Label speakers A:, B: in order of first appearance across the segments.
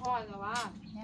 A: พ่อแต่ว่า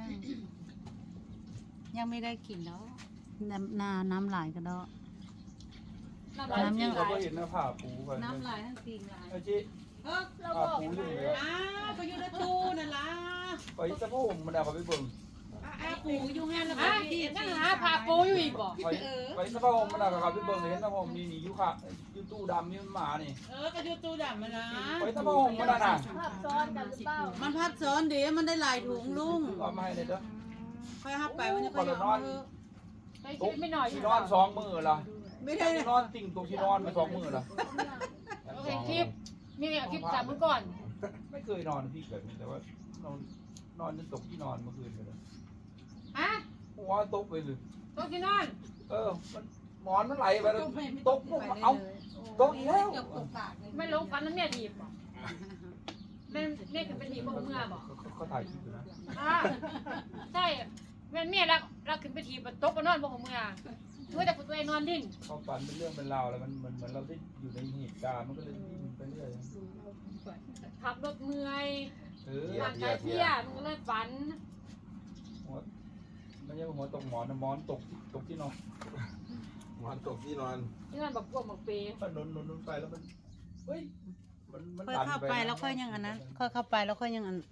B: ยังไม่ได้กินแล้วน้ำไหลกันแล้ว
A: น้ำยังไหล
C: เราก็เห็นหน้าผาปูไป
B: น้ำไหลทั้งปีไหล
C: ไอ้จี
A: เรา
C: ผา
A: บอก
C: ปูอยู่เลย
D: ก็อยู่ในตู้นั่นล่ะ
C: ไปสะโพกมันเอาเขาไปเบิ่ง
D: ปูอยู่งั้นแล้ว
A: ฮะนั่งหาผ่าปูอยู่อีกบ่
C: ไปสะโพกมันเอาเขาไปเบิ่งเห็นสะโพกนี่อยู่ค่ะอยู่ตู้ดำนี่มันหมานี่
D: ก็อยู่ตู้ดำมันนะ
C: ไปสะโพกมันน่ะ
A: ภาพซ้อนกันหรือเปล่า
D: มันพัดซ้อนเดี๋ยวมันได้หลายถุงลุง
C: เอามาให้เลยเด้อ
D: ค่อยหับไปมันจะค่อยเอา
A: ไปคิดไม่หน่อยอยู่
C: ที่นอน2มื้อละ
D: ไม่ได้
C: ที่นอนติ่งตรงที่นอนไป2มื้อละ
A: เห็นคลิปมีคลิปจากเมื่อก่อน
C: ไม่เคยนอนพี่เกิดแต่ว่านอนจนตกที่นอนเมื่อคืนไปเลย
A: ฮะ
C: หัวตกไปเลย
A: ตัวที่นอน
C: มันหมอนมันไหลไปแล้วตกปุ๊บเอาตกอีกแล้ว
A: ไม่ลงฟันแล้วเมียถีบบ่แม่คือเป็นถีบบ่เมื่อบ่
C: เขาถ่ายคลิปอยู่นะ
A: ใช่แม่เมียรักขึ้นไปถีบตกก็นอนบ่เมื่อแต่ตัวเองนอนดิ้น
C: เขาฝันเป็นเรื่องเป็นราวแล้วมันเหมือนเราได้อยู่ในเหตุการณ์มันก็เลยดิ้นไปเรื่อย
A: ขับรถเมื่อย
C: หั
A: ร่างกายเพลียมันก็เลยฝัน
C: วไม่ใช่หัวตกหมอนนะหมอนตกที่นอน
E: หมอนตกที่นอน
A: ที่นั่นแบบพวกหมกเปย์
C: มันนไปแล้วมันเฮ้ยมัน
B: ค่อยเข้าไปแล้วค่อยยังอันนั้นค่อยเข้าไปแล้วค่อยยังอัน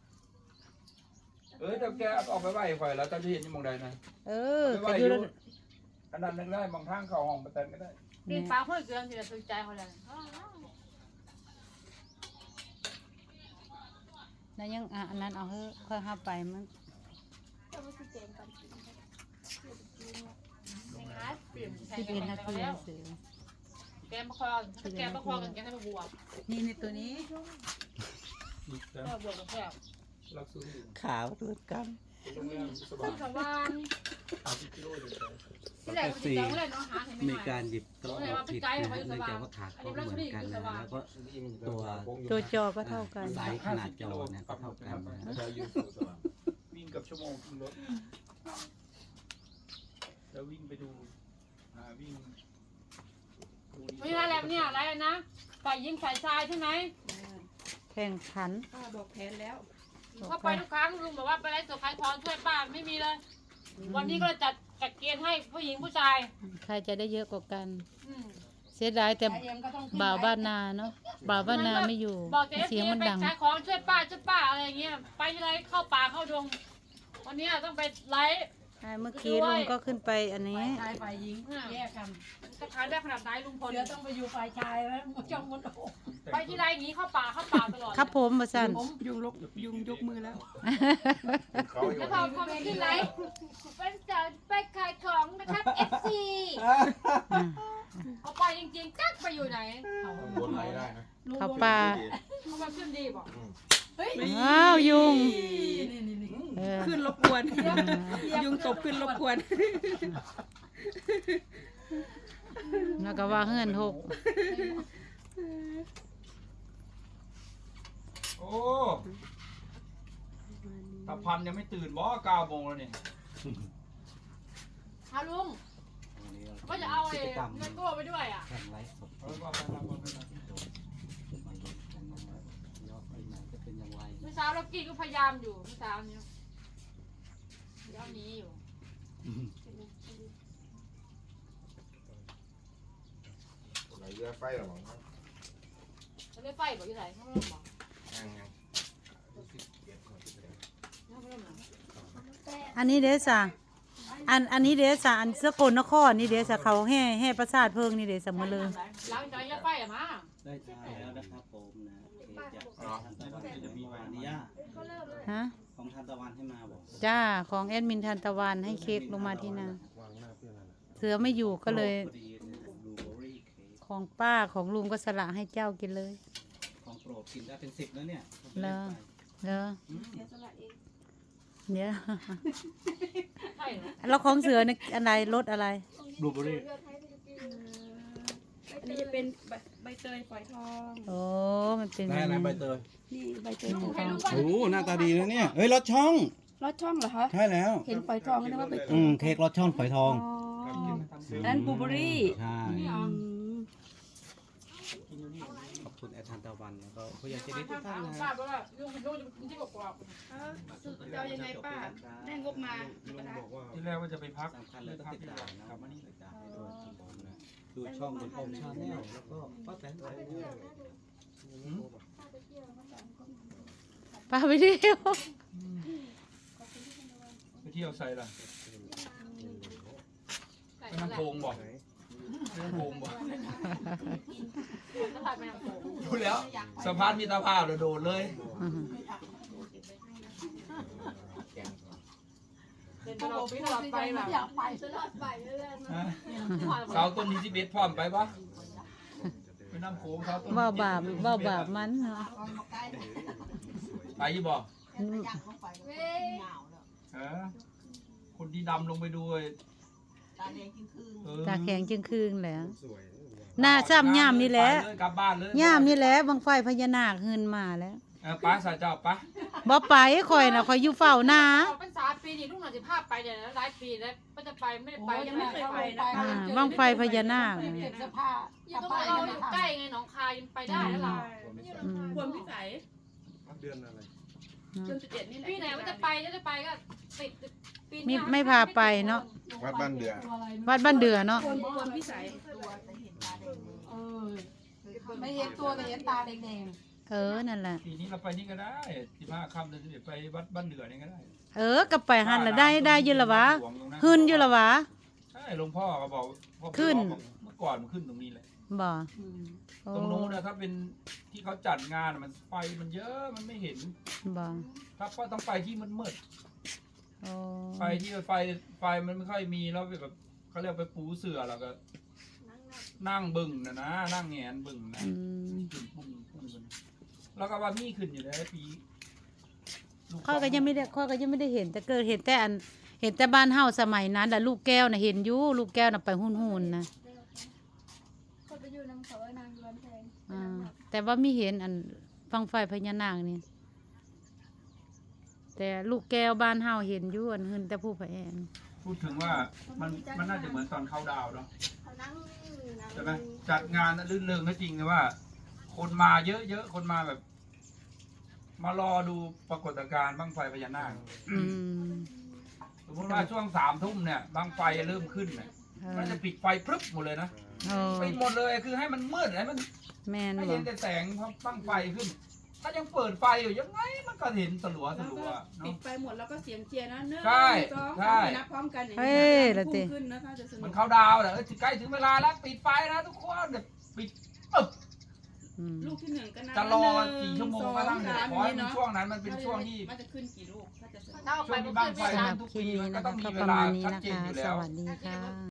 C: แต่แกออกไปไหวไฟแล้วตอนที่เห็นยังมองใดนะ
B: ก็อยู่
C: อันนั้นนึงได้บางทางเข้าห้องประแตนก็ได้
A: ปีนฟ้าเพื่อเกินที่จะสนใจเขาเลย
B: แล้วยังอันนั้นเอาเฮ้ค่อยเข้าไปมัน 11 นาทีเสือ
A: แกมาคอกันแกให้มาบวก
B: นี่ในตัวนี้
A: แล้วบวกกับแก้ว
C: รักซื้อ
B: ขาวหลุดกัน
C: โรงแรมส
A: ขึ้
C: บาน
A: สวรรค์
C: 30 กิโลอยู่
A: ที่แรกมันจะเลยน้องหาเห็นไหม
F: มีการหยิบโต๊ะผิดนะเนื่องจากว่าขาก็เหมือนกันนะแล้วก็
B: ตัวจอก็เท่ากัน
F: ไซส์ขนาดจอเนี่ยก็เท่ากันนะ
C: วิ่งกับชั่วโมงรถแล้ววิ่งไปดูวิ่ง
A: ไม่ใช่แล้วเนี่ยอะไรนะฝ่ายยิงฝ่ายชายใช่ไหม
B: แข่งขัน
D: บอกแผนแล้ว
A: เข้าไปทุกครั้งลุงบอกว่าไปไล่สดขายของช่วยป้าไม่มีเลย วันนี้ก็จัดเกณฑ์ให้ผู้หญิงผู้ชาย
B: ใครจะได้เยอะกว่ากัน
A: อืม
B: เสียดายแต่บ่าวบ้านนาเนาะบ่าวบ้านนาไม่อยู่
A: บอกแต่
B: เสียงมัน
A: ไป
B: ดัง
A: ขายของช่วยป้าอะไรอย่างเงี้ยไปที่ไรเข้าป่าเข้าดงวันนี้ต้องไปไลฟ์
B: เมื่อกี้ลุงก็ขึ้นไปอันนี้
D: ชายฝ่ายหญิงแยกกัน
A: จะขายได้ขนาดไหนลุงพล
D: เสือต้องไปอยู่ฝ่ายชายแล้วจ้องมันโอ้
A: ไปที่ไรอย่างงี้เข้าป่าตลอด
B: ครับผมมาสั่น
D: ผมยุงยกมือแล้ว
E: เขาอยู่
A: แล้วพอไปที่ไรเป็นจะไปขายของนะครับ FC เอาไปจริงๆกักไปอยู่ไหน
E: บนไหลได้นะ
B: เขาป่า
A: เขามาขึ้นดีบอก
B: อ้าวยุงเออ
D: ขึ้นรบกวนยุงตบขึ้นรบกวน
B: แล้วก็ว่าเฮือนหก
C: โอ้ตาพันยังไม่ตื่นบ่9 โมงแล้วนี่
A: ฮาลุงก็จะเอาไอ้เงินกู้ไปด้วยอ่ะ
F: แข่งไลฟ์สด
C: เอาว่าไปทำว่าไปทำ
F: มาลุ้นกันนะยอดปีใหม่จะเป็นอย่างไร
A: เมื่อเช้าเรากี้ก็พยายามอยู่เมื่อเช้านี้เดี๋ยวนี้อยู่
E: ไหลเรือไฟหรอมั้งครับ
A: จะได้ไฟบอกอยู่ไหนเขาไม่รู้บอก
E: ยัง
A: เขาไม่รู้หรอ
B: อันนี้เดซ่าอันนี้เดซ่าอันสกลนครนี่เดซ่าเขาแห่ประสาทเพิงนี่เดซ่ามาเลย
A: หลังจากนี้ไฟอะมา
F: ได้ใช้แล้วนะครับผมนะเค้กจากทานตะวันจะมีวานิยา
B: ฮะ
F: ของทานตะวันให้มาบอก
B: จ้าของแอดมินทันตะวันให้เค้กลงมาที่นา
E: วางหน้าเพื่อนนั่นแหละ
B: เสือไม่อยู่ก็เลย
F: พอดีบลูเบอร์รี่เค้ก
B: ของป้าของลุงก็สละให้เจ้ากินเลย
F: ของโปรดกินได้เป็น10แล้วเนี่ย
B: เหรอ เหรอเดี๋ยว
A: ใช่เหรอ
B: แล้วของเสือนี่อะไรรสอะไร
F: บลูเบอร์รี่
D: อันนี้จะเป็นใบเตยฝอยทอง
B: โอ้มันเป็น
E: ได้อะไรใบเตย
D: นี่ใบเตยฝอยท
A: ให้
D: อง
A: รู้ว่า
F: โอ้หน้าตาดีนะเนี่ยเฮ้ยรสช่อง
D: รสช่องเหรอคะ
F: ใช่แล้ว
D: เห็นฝอยทองก็นึกว่าใบเตย
F: เค้กรสช่องฝอยทอง
D: อันนั้นบลูเบอร์รี่
F: ใช่
D: อืม
F: ขอบคุณแอดทันตะวันแล้วก็ผู้ใหญ่ใจดีทุ
A: ทาก ง
F: ท่าน
A: ของ
F: นะ
A: ป้า
F: ฮะ
A: เพราะว่าลุงเป็นลูกที่กรอบ
D: จะเอายังไงป้าได้งบมา
E: ลุงบอกว่า
C: ที่แรกว่าจะไปพัก
F: สำคัญเลยก็ติดตามนะ
C: กลับมานี่
F: ติดตามให้ด้วยครับผมนะดูช่องคุณโอมชาแนลแล้วก็ป้าแตนไปด้วย
B: ป้าไปเที่ยว
C: ไปเที่ยวใส่ล่ะ
A: ใส่
C: ไป
A: นั่น
C: น้ำ
A: แหละ
C: โขงบ่ไปน้ำโขงบ่
A: ก็ถ่ายไปน้ำโขง
C: ดูแล้วสะพานมิตรภาพเราโดดเลย
A: เดินตลอดไปตลอดไปแบบ
G: อยากไปตลอดไปเรื่อยๆนะ
C: ฮะเสาต้นนี้ที่เบ็ดพร้อมไปปะไปน้ำโขงเสาต้น
B: ว่าบาปว่าบาปมันเนาะ
C: ไปยี่บ่
G: เว้ย
C: คนที่ดำลงไปดูเออ
B: ตาแข็งจึงคืนแหล้ว
E: สวย
B: หน้าซ้ำย่ามนี่แหละ
C: ไปเยกลับบ้านเลย
B: ย่ามนี่แหละบังไฟพญานาคหืนมาแล้ว
C: ป้าสายเจ้าป้า
B: บ่ไปข่อยน่ะข่อยอยู่เฝ้าหน้า
A: เป็น3 ปีนี่ลูกหน่อยจะพาไปเดี๋ยวหลายปีแล้วก็จะไปไม่ได้ไป
D: ยังไม่เคยไปนะ
B: อ่าบังไฟพญานาค
G: เก็บเสื้อผ้า
A: อยู่ตรงเราอยู่ใกล้ไงหนองคายยังไปได้แล้วเรา
B: อืม
D: ควรพิสัย
E: เดือนอะไร
D: จน11นี่แหละ
A: ปีไหนว่าจะไปจะไปก็ติดปี
B: ไม่พาไปเนาะ
E: วัดบ้านเดือ
B: วัดบ้านเดือเนาะ
D: ควรพิสัย
G: ไม่เห็นตัวแต่เห็นตาแดง
B: นั่นแหละ
C: ปีนี้เราไปนี่ก็ได้15 ค่ำเดือน11ไปวัดบ้านเดือนี่ก็ได้
B: ก็ไปหันละได้อยู่ละวะหืนอยู่ละวะ
C: ใช่หลวงพ่อก็บอกพ่อ
B: ขึ้น
C: บอกเมื่อก่อนมันขึ้นตรงนี้เลย
B: บ่โอ้
C: ตรงนู้นนะถ้าเป็นที่เขาจัดงานมันไฟมันเยอะมันไม่เห็น
B: บ่
C: ถ้าก็ต้องไปที่มืด
B: โอ้
C: ๆไปที่ไฟมันไม่ค่อยมีแล้วแบบเขาเรียกไปปูเสือแล้วก็นั่งบึ่งนะนั่งแงนบึ่งนะ
B: อืม
C: ขึ้นปุ้งแล้วก็ว่ามีขึ้นอยู่แล้วปีลู
B: ข้อยก็ยังไม่ได้เห็นแต่เกิดเห็นแต่เห็นแต่บ้านเฮาสมัยนั้นน่ะลูกแก้วน่ะเห็นอยู่ลูกแก้วน่ะไปหุ่นๆนะ
G: ๆคนไปอยู่น้ำเขานางร้อนแพง
B: อ่าแต่ว่ามีเห็นบังไฟพญานาคนี่แต่ลูกแก้วบ้านเฮาเห็นอยู่หืนแต่ผู้พระแอน
C: พูดถึงว่ามันน่าจะเหมือนตอนเข้าดาวเนาะ
G: เขานั่ง
C: ใช่ไหมจัดงานลื่นเริงก็จริงนะว่า คนมาเยอะๆคนมาแบบ มารอดูปรากฏการณ์บั้งไฟพญานาค
B: อืม
C: สมมติว่าช่วง3 ทุ่มเนี่ยบั้งไฟเริ่มขึ้นเนี่ยมันจะปิดไฟพรึบหมดเลยนะ
B: โอ้
C: ปิดหมดเลยคือให้มันมืดให้มัน
B: แม่น
C: ไม่
B: บ่
C: เห็นแต่แสงบั้งไฟขึ้น ถ้ายังเปิดไฟอยู่ยังไงมันก็เห็นสลัว
D: แล้วก็
C: เนาะ
D: ปิดไปหมดแล้วก็เสียงเชียร์นะ1
C: ใช่
D: 2
C: ใช่
D: 3นับพร้อมกันอย่าง
B: เฮ้
D: นี้
B: ยละติ
D: พุ่งขึ้นนะคะจะสนุ
C: มัน
D: ก
C: เข้าดาวน์แหละใกล้ถึงเวลาแล้วปิดไฟนะทุกคนเดี๋ยวปิดปึ๊บ
B: อืม
D: ลูกที่1ก็นับ
C: จะรอกี่ชั่วโมงก็ตั้ง
D: 1
C: แต่
D: 2
C: ขอให้
D: 3
C: มัน
D: เนาะ
C: ช่วงนั้นมันเป็นช่วงที่
D: มันจะขึ้นกี่ลูกถ้าจะสนุก
A: ถ้าเอา
C: ช่
A: ไป
C: วง
A: ก็
C: ที่บั้งไฟ
A: ขึ้นไป
B: สำหรับคลิปนี้นะคะก็ประมาณนี้นะคะ สวัสดีค่ะ